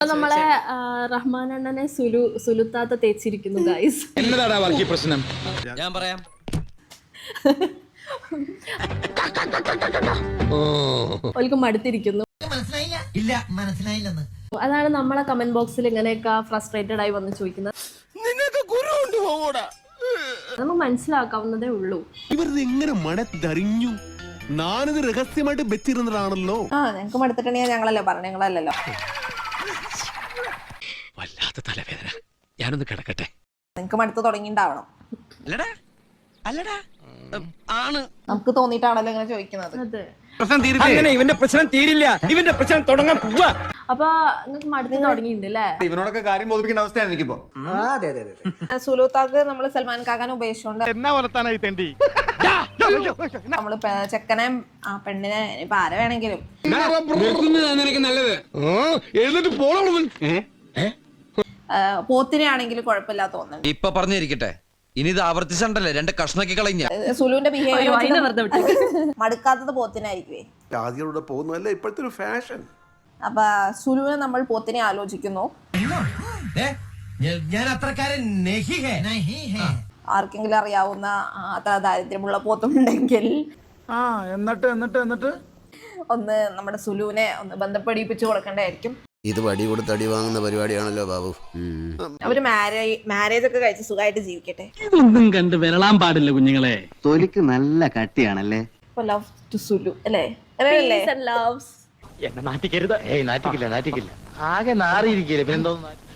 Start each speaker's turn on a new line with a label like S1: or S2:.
S1: നമ്മളെ റഹ്മാൻ അണ്ണനെ സുലുത്താത്ത തേച്ചിരിക്കുന്നു ഗൈസ്.
S2: എന്നതാടാ വർഗീയ പ്രശ്നം?
S3: ഞാൻ പറയാം.
S1: ഓൽക്ക് മടുത്തിരിക്കുന്നു. അതാണ് നമ്മളെ കമന്റ് ബോക്സിൽ ഇങ്ങനെയൊക്കെ ഫ്രസ്ട്രേറ്റഡ് ആയി വന്ന് ചോദിക്കുന്നത്. നമുക്ക് മനസ്സിലാക്കാവുന്നതേ ഉള്ളൂ.
S4: ഇവരത് എങ്ങനെ മണത്തറിഞ്ഞു? ഞാനിത് രഹസ്യമായിട്ട് വെച്ചിരുന്നതാണല്ലോ.
S5: ഞങ്ങൾക്ക് മടുത്തിട്ടുണ്ടെങ്കിൽ ഞങ്ങളല്ലേ പറഞ്ഞു, ഞങ്ങളല്ലല്ലോ.
S3: വല്ലാത്ത തലവേദന, ഞാനൊന്ന് കിടക്കട്ടെ.
S5: നിങ്ങക്ക് മടുത്ത് തുടങ്ങിണ്ടാവണം.
S3: ആണ്
S5: നമുക്ക് തോന്നിയിട്ടാണല്ലോ ഇങ്ങനെ ചോദിക്കുന്നത്.
S1: അതെ,
S2: അങ്ങനെ ഇവന്റെ പ്രശ്നം തീരില്ല, ഇവന്റെ പ്രശ്നം തുടങ്ങാൻ പോവാ.
S1: അപ്പൊ നിങ്ങൾക്ക് മടുത്ത് തുടങ്ങിയിട്ടുണ്ട് അല്ലേ?
S6: ഇവനോടൊക്കെ കാര്യം ബോധിപ്പിക്കേണ്ട അവസ്ഥയാണ് എനിക്കിപ്പോ.
S5: സുലൂത്താക്ക് നമ്മള് സൽമാൻ കാക്കാനെ ഉപയോഗിച്ചോണ്ട് നമ്മള് ചെക്കനെ പെണ്ണിനെ ഇപ്പൊ ആരെ വേണമെങ്കിലും
S2: നല്ലത്
S5: പോത്തിനെ ആണെങ്കിലും കുഴപ്പമില്ല തോന്നുന്നു.
S3: ഇപ്പൊ പറഞ്ഞിരിക്കട്ടെ, ഇനി ഇത് ആവർത്തിച്ചണ്ടല്ലേ രണ്ട് കഷ്ണക്കി കളഞ്ഞ.
S5: സുലുവിന്റെ
S1: അതിനെ വെറുതെ വിട്ടു.
S5: ബിഹേവിയർ മടുക്കാത്തത് പോത്തിനായിരിക്കുവേ.
S4: ജാതികളുടെ പോകുന്നതല്ലേ ഇപ്പോഴത്തെ ഒരു ഫാഷൻ.
S5: അപ്പൊ സുലുവിനെ നമ്മൾ പോത്തിനെ ആലോചിക്കുന്നു.
S3: ഞാൻ അത്രക്കാരൻ
S5: ആർക്കെങ്കിലും അറിയാവുന്ന അത്ര ദാരിദ്ര്യമുള്ള പോത്തുണ്ടെങ്കിൽ
S6: എന്നിട്ട്
S5: ഒന്ന് നമ്മുടെ സുലുവിനെ ഒന്ന് ബന്ധപ്പെടിപ്പിച്ചു കൊടുക്കേണ്ടതായിരിക്കും.
S7: ഇത് വടി കൊടുത്ത് അടി വാങ്ങുന്ന പരിപാടിയാണല്ലോ ബാബു.
S5: അവര് മാരേജ് ഒക്കെ കഴിച്ച് സുഖമായിട്ട് ജീവിക്കട്ടെ.
S8: ഇതൊന്നും കണ്ട് വിരളാൻ പാടില്ല കുഞ്ഞുങ്ങളെ.
S7: തൊലിക്ക് നല്ല കട്ടിയാണല്ലേ.
S5: ലവ് ടു സുലു അല്ലേ? അങ്ങനെയല്ലേ?
S1: Peace and loves.
S8: എന്നെ നാറ്റിക്കരുത്. നാറ്റിക്കില്ല ആകെ നാറിയിരിക്കില്ല. പിന്നെന്തോ